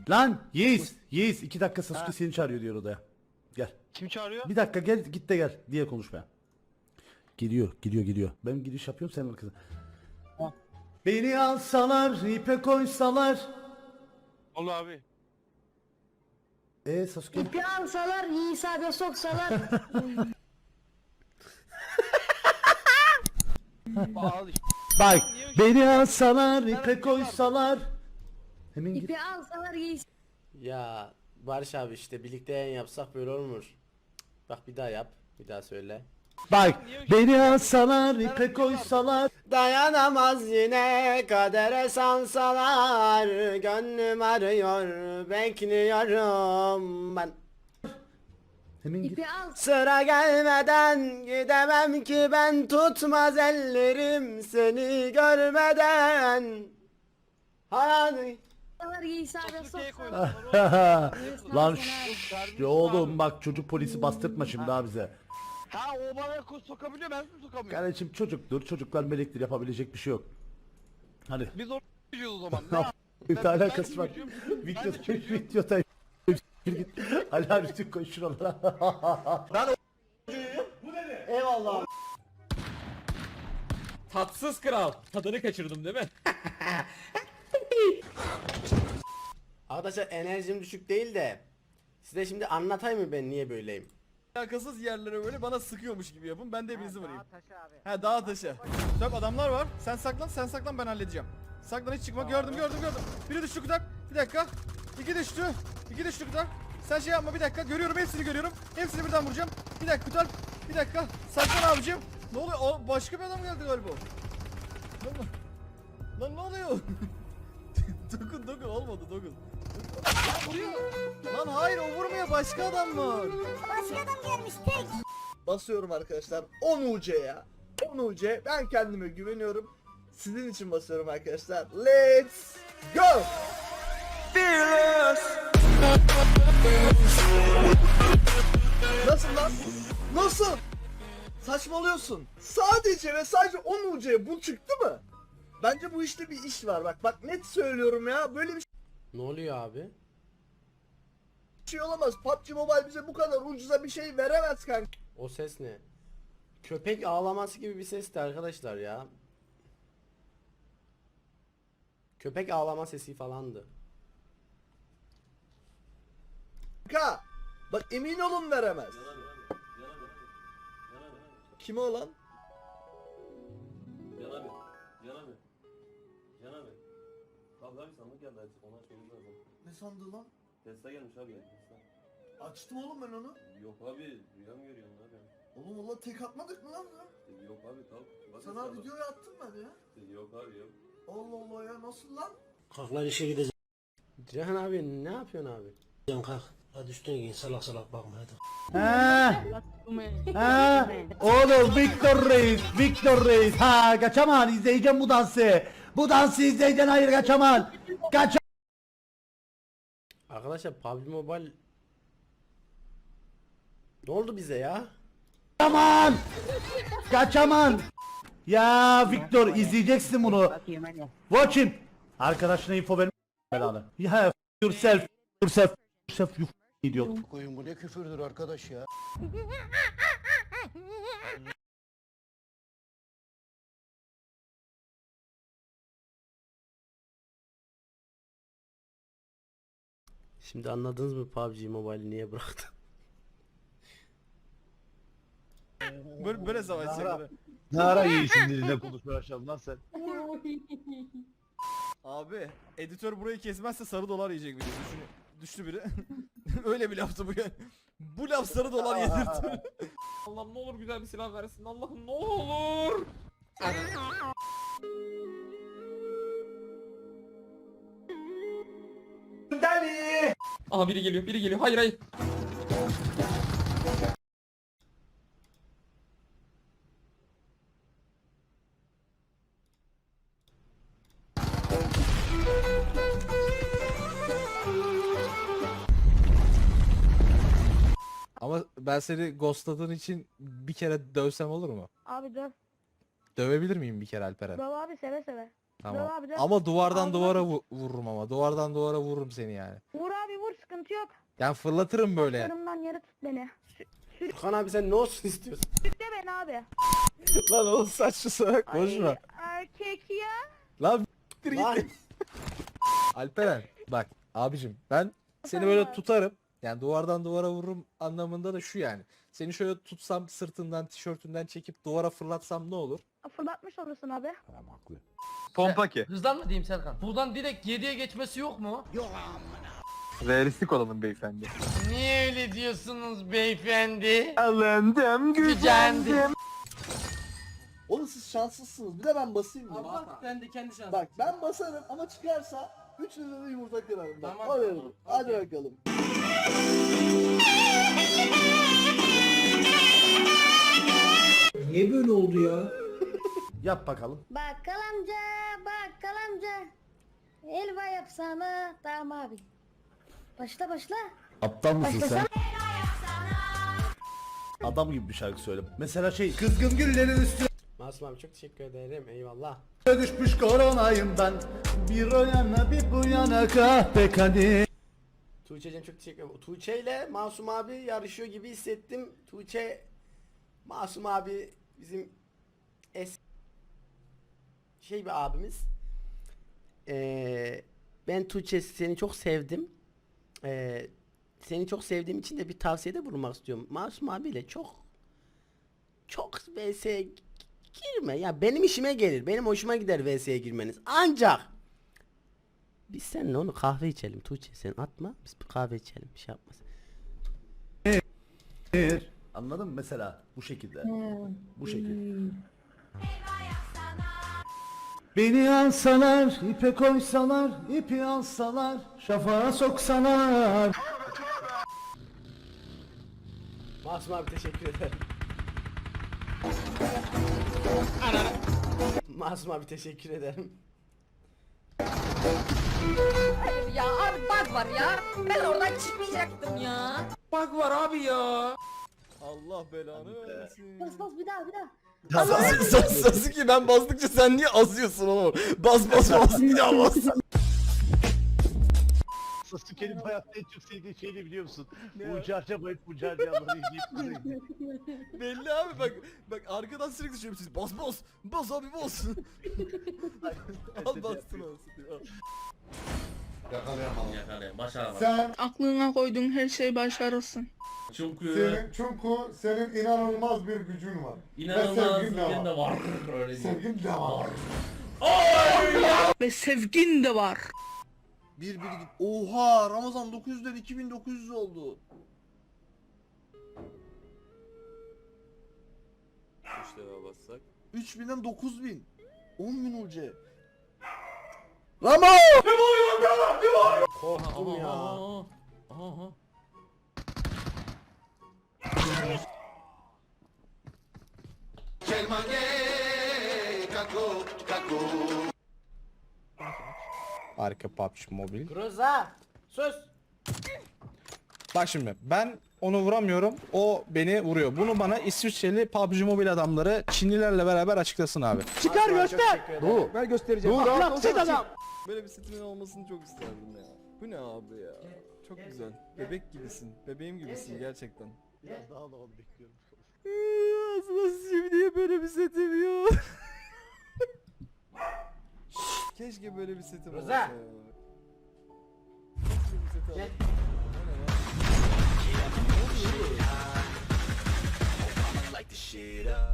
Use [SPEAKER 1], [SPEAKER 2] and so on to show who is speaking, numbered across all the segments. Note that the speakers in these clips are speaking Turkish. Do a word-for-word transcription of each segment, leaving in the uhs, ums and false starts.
[SPEAKER 1] Lan Yiğiz. Yiğiz iki dakika Sasuke seni çağırıyor diyor odaya. Gel.
[SPEAKER 2] Kim çağırıyor?
[SPEAKER 1] Bir dakika gel git de gel diye konuşmaya. Gidiyor gidiyor gidiyor. Ben gidiş yapıyorum sen arkasına. Beni alsalar ipe koysalar.
[SPEAKER 2] Olu abi.
[SPEAKER 1] Eee Sasuke?
[SPEAKER 3] İpi alsalar, Yiğis abi soksalar.
[SPEAKER 2] Al işte.
[SPEAKER 1] Bak beni alsalar ipe koysalar. Hemen git.
[SPEAKER 3] İpi alsalar Yiğis.
[SPEAKER 4] Ya Barış abi işte birlikte yayın yapsak böyle olmuş. Bak bir daha yap. Bir daha söyle.
[SPEAKER 1] Bak beni alsalar ipe koysalar.
[SPEAKER 4] Dayanamaz yine kadere sansalar. Gönlüm arıyor bekliyorum ben.
[SPEAKER 1] Hemen git.
[SPEAKER 3] İpi al.
[SPEAKER 4] Sıra gelmeden gidemem ki ben, tutmaz ellerim seni görmeden. Hayal.
[SPEAKER 3] Alsalar Yiğis abi
[SPEAKER 2] Sasuke'ye
[SPEAKER 3] soksalar.
[SPEAKER 2] koydular.
[SPEAKER 1] Lan şşş oğlum bak çocuk polisi bastırtma şimdi daha bize.
[SPEAKER 2] Ha o bana ko- sokabiliyor, ben mi sokamıyorum?
[SPEAKER 1] Kardeşim çocuktur çocuklar melektir yapabilecek bir şey yok. Hadi.
[SPEAKER 2] Biz orada çocuğuz o zaman. Ne
[SPEAKER 1] Ne
[SPEAKER 2] yap-
[SPEAKER 1] bir
[SPEAKER 2] Ben-
[SPEAKER 1] alakası
[SPEAKER 2] ben
[SPEAKER 1] var.
[SPEAKER 2] çocuğum. Ben de
[SPEAKER 1] Videoda
[SPEAKER 2] çocuğum.
[SPEAKER 1] videoda git. Ali üstü koy şuralara.
[SPEAKER 4] Eyvallah.
[SPEAKER 5] Tatsız kral. Tadını kaçırdım değil mi?
[SPEAKER 4] Arkadaşlar enerjim düşük değil de size şimdi anlatayım mı ben niye böyleyim?
[SPEAKER 6] Alakasız yerlere böyle bana sıkıyormuş gibi yapın. Ben de hepinizi vurayım. He dağa taşı. Dök adamlar var. Sen saklan, sen saklan, ben halledeceğim. Saklan, hiç çıkma. Gördüm, gördüm, gördüm. Biri düştü kutak. Bir dakika. İki düştü. İki düştü kutak. Sen şey yapma, bir dakika. Görüyorum, hepsini görüyorum. Hepsini birden vuracağım. Bir dakika kutak. Bir dakika. Saklan abicim. Ne oluyor? O başka bir adam geldi galiba. Lan, lan ne oluyor? dokun dokun olmadı dokun. Lan vuruyor. Lan hayır, o vurmuyor, başka adam var.
[SPEAKER 7] Basıyorum arkadaşlar on U C ya. on U C. Ben kendime güveniyorum. Sizin için basıyorum arkadaşlar. Let's go. Nasıl lan? Nasıl? Saçmalıyorsun. Sadece ve sadece on U C bu çıktı mı? Bence bu işte bir iş var. Bak bak net söylüyorum ya. Böyle bir
[SPEAKER 4] Ne oluyor abi?
[SPEAKER 7] şey olamaz. P U B G Mobile bize bu kadar ucuza bir şey veremez kanka.
[SPEAKER 4] O ses ne? Köpek ağlaması gibi bir sesti arkadaşlar ya. Köpek ağlama sesi falandı.
[SPEAKER 7] Kanka. Bak emin olun veremez. Kime olan?
[SPEAKER 8] Can abi, Can abi, Can abi. Abi abi sandık geldi açık, onu açmamız lazım.
[SPEAKER 7] Ne sandığı lan?
[SPEAKER 8] Tesla gelmiş abi ya, Tesla.
[SPEAKER 7] Açtım oğlum ben onu.
[SPEAKER 8] Yok abi, rüya mı görüyorsun abi?
[SPEAKER 7] Oğlum valla tek atmadık mı lan ya?
[SPEAKER 8] Yok abi, kalk. Bak
[SPEAKER 7] Sana
[SPEAKER 8] hesaba.
[SPEAKER 7] videoyu attım ben ya.
[SPEAKER 8] Yok abi yok.
[SPEAKER 7] Allah Allah ya nasıl lan?
[SPEAKER 9] Kalk lan işe gideceğim
[SPEAKER 4] Cihan abi ne yapıyorsun abi?
[SPEAKER 9] kalk. Hadi üstüne giyin, salak salak bakma hadi.
[SPEAKER 1] Ha. Ha. Oğlum Victor Reis, Victor Reis. Ha kaçaman izleyeceğim bu dansı. Bu dansı izleyeceksin hayır kaçaman. Kaç.
[SPEAKER 4] Arkadaşlar P U B G Mobile ne oldu bize ya?
[SPEAKER 1] Kaçaman. Kaçaman. Ya Victor izleyeceksin bunu. Watch him. Arkadaşına info verme belanı. Ya f- yourself, yourself, yourself you f- idiot.
[SPEAKER 9] Koyun bu ne küfürdür arkadaş ya.
[SPEAKER 4] Şimdi anladınız mı P U B G Mobile'i niye bıraktım?
[SPEAKER 6] Böyle, böyle savaşacaklar.
[SPEAKER 10] Ne ara iyisin dilinde konuşmaya başladın lan sen?
[SPEAKER 6] Abi editör burayı kesmezse sarı dolar yiyecek biri. Düşün, düştü biri. Öyle bir laftı bu yani. Bu laf sarı dolar yedirtti.
[SPEAKER 5] Allah'ım ne olur güzel bir silah versin. Allah'ım ne olur. Aha biri geliyor, biri geliyor. Hayır hayır.
[SPEAKER 6] Ama ben seni ghostladığın için bir kere dövsem olur mu?
[SPEAKER 3] Abi döv.
[SPEAKER 6] Dövebilir miyim bir kere Alperen?
[SPEAKER 3] Döv abi seve seve.
[SPEAKER 11] Tamam.
[SPEAKER 3] Dur abi, dur.
[SPEAKER 11] Ama duvardan
[SPEAKER 3] Abi,
[SPEAKER 11] duvara vu- vururum ama. Duvardan duvara vururum seni yani.
[SPEAKER 3] Vur abi vur, sıkıntı yok.
[SPEAKER 11] Yani fırlatırım böyle.
[SPEAKER 3] Yarımdan yere tut beni. Sü-
[SPEAKER 4] Furkan abi sen ne olsun istiyorsun?
[SPEAKER 3] Sürükle beni abi.
[SPEAKER 11] Lan oğlum saçlı salak konuşma.
[SPEAKER 3] Ay, erkek ya.
[SPEAKER 11] Lan
[SPEAKER 4] Lan.
[SPEAKER 11] Alperen bak abicim ben seni böyle tutarım. Yani duvardan duvara vururum anlamında da şu yani. Seni şöyle tutsam sırtından tişörtünden çekip duvara fırlatsam ne olur?
[SPEAKER 3] Fırlatmış olursun abi.
[SPEAKER 2] Pompa ki.
[SPEAKER 5] Hızlan mı diyeyim Serkan? Buradan direkt yediye geçmesi yok mu?
[SPEAKER 2] Realistik olalım beyefendi.
[SPEAKER 5] Niye öyle diyorsunuz beyefendi?
[SPEAKER 2] Alındım
[SPEAKER 5] Gücendim.
[SPEAKER 7] Oğlum siz şanslısınız. Bir de ben basayım mı?
[SPEAKER 5] Allah ben de kendi şansım.
[SPEAKER 7] Bak ben basarım ama çıkarsa üçünüze de yumurta kırarım. Bak,
[SPEAKER 5] Tamam,
[SPEAKER 7] o veririm.
[SPEAKER 5] tamam,
[SPEAKER 7] Hadi
[SPEAKER 5] okey.
[SPEAKER 7] bakalım.
[SPEAKER 9] Niye böyle oldu ya?
[SPEAKER 1] Yap bakalım.
[SPEAKER 3] Bakkal amca, bakkal amca. Helva yapsana. Tamam abi. Başla başla.
[SPEAKER 1] Aptal mısın
[SPEAKER 3] Başlasana.
[SPEAKER 1] sen? Adam gibi bir şarkı söyle. Mesela şey kızgın güllerin üstüne
[SPEAKER 4] Masum abi çok teşekkür ederim. Eyvallah.
[SPEAKER 1] düşmüş koronayım ben. Bir o yana bir bu yana kahpe kadeh.
[SPEAKER 4] Tuğçe'cim çok teşekkür ederim. Tuğçe ile Masum abi yarışıyor gibi hissettim. Tuğçe, Masum abi bizim es şey bir abimiz. Ee, ben Tuğçe seni çok sevdim. Ee, seni çok sevdiğim için de bir tavsiyede bulunmak istiyorum. Masum abiyle çok çok V S'ye girme. Ya benim işime gelir. Benim hoşuma gider V S'ye girmeniz. Ancak biz seninle onu kahve içelim Tuğçe, sen atma, biz bir kahve içelim, bir şey yapmasın.
[SPEAKER 1] Anladın mı mesela bu şekilde. Bu şekilde. Beni alsalar, ipe koysalar, ipi alsalar, şafağa soksalar.
[SPEAKER 4] Masum abi teşekkür ederim. Masum abi teşekkür ederim.
[SPEAKER 3] Ya abi bak var ya. Ben oradan çıkmayacaktım ya.
[SPEAKER 5] Bak var abi ya.
[SPEAKER 6] Allah belanı versin.
[SPEAKER 3] Bas bas bir daha bir daha.
[SPEAKER 6] Sasuke ben bastıkça sen niye azıyorsun oğlum? Bas bas bas bir daha bas.
[SPEAKER 10] Sasuke'nin hayatta en çok sevdiği şey ne biliyor musun? Bu carca bayıp bu carcaları yiyip duruyor.
[SPEAKER 6] Belli abi bak bak arkadan sürekli şöyle siz bas bas bas abi bas. Al bastın olsun.
[SPEAKER 8] Yakalayalım. Başaramadım.
[SPEAKER 9] Sen,
[SPEAKER 3] Aklına koyduğun her şeyi başarırsın.
[SPEAKER 8] Çünkü
[SPEAKER 9] senin, çünkü senin inanılmaz bir gücün var.
[SPEAKER 8] inanılmaz
[SPEAKER 9] sevgin de
[SPEAKER 8] bir de var. Öyle diyeyim.
[SPEAKER 9] Sevgin de var.
[SPEAKER 3] Ve sevgin de var.
[SPEAKER 7] Bir bir git. Oha Ramazan dokuz yüzden iki bin dokuz yüz oldu.
[SPEAKER 6] üç defa bassak.
[SPEAKER 7] üç binden dokuz bin. on bin ucu. Ramo!
[SPEAKER 4] Korktum ya.
[SPEAKER 5] Aha, aha.
[SPEAKER 11] Arka P U B G Mobile.
[SPEAKER 4] Groza sus.
[SPEAKER 11] Bak şimdi ben onu vuramıyorum. O beni vuruyor. Bunu bana İsviçreli P U B G Mobile adamları Çinlilerle beraber açıklasın abi.
[SPEAKER 4] Çıkar göster.
[SPEAKER 11] Bu.
[SPEAKER 6] Ben göstereceğim.
[SPEAKER 11] Dur,
[SPEAKER 6] Ahlaksız adam. Böyle bir setimin olmasını çok isterdim ya. Bu ne abi ya? Çok güzel. Bebek gibisin. Bebeğim gibisin gerçekten.
[SPEAKER 10] Biraz daha havalı bekliyorum.
[SPEAKER 6] Aslında şimdiye böyle bir setim yok. Keşke böyle bir setim
[SPEAKER 4] Rıza.
[SPEAKER 6] olsa ya. Keşke bir seti
[SPEAKER 4] Gel.
[SPEAKER 6] alayım. O ne ya?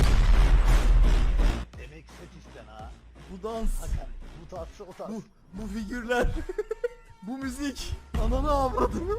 [SPEAKER 10] Demek set isten ha.
[SPEAKER 6] Bu dans,
[SPEAKER 10] Bu tatsı o tatsı.
[SPEAKER 6] bu, bu figürler, bu müzik, ananı avradını.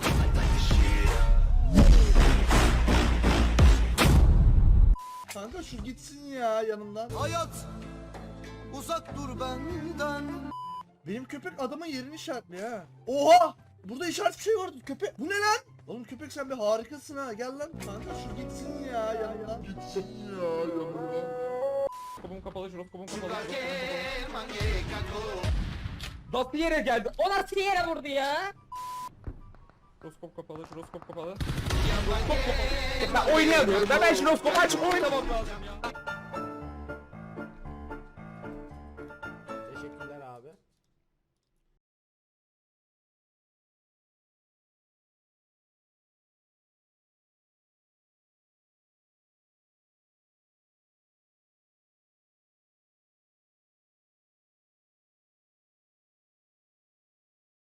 [SPEAKER 7] Kanka şu gitsin ya yanımdan. Hayat uzak dur benden. Benim köpek adamın yerini işaretliyor ha. Oha! Burada işaret bir şey vardı köpek. Bu ne lan? Oğlum köpek sen bir harikasın ha. Gel lan kanka şu gitsin ya yanımdan. Gitsin ya yanımdan.
[SPEAKER 5] Kapım kapalı, jiroskopum kapalı, jiroskopum kapalı. Nasıl yere geldi? O nasıl yere vurdu ya? Jiroskop kapalı, jiroskop kapalı. Jiroskop kapalı. Ben oynayamıyorum. Ben, ben jiroskopu açıp oynamam lazım ya.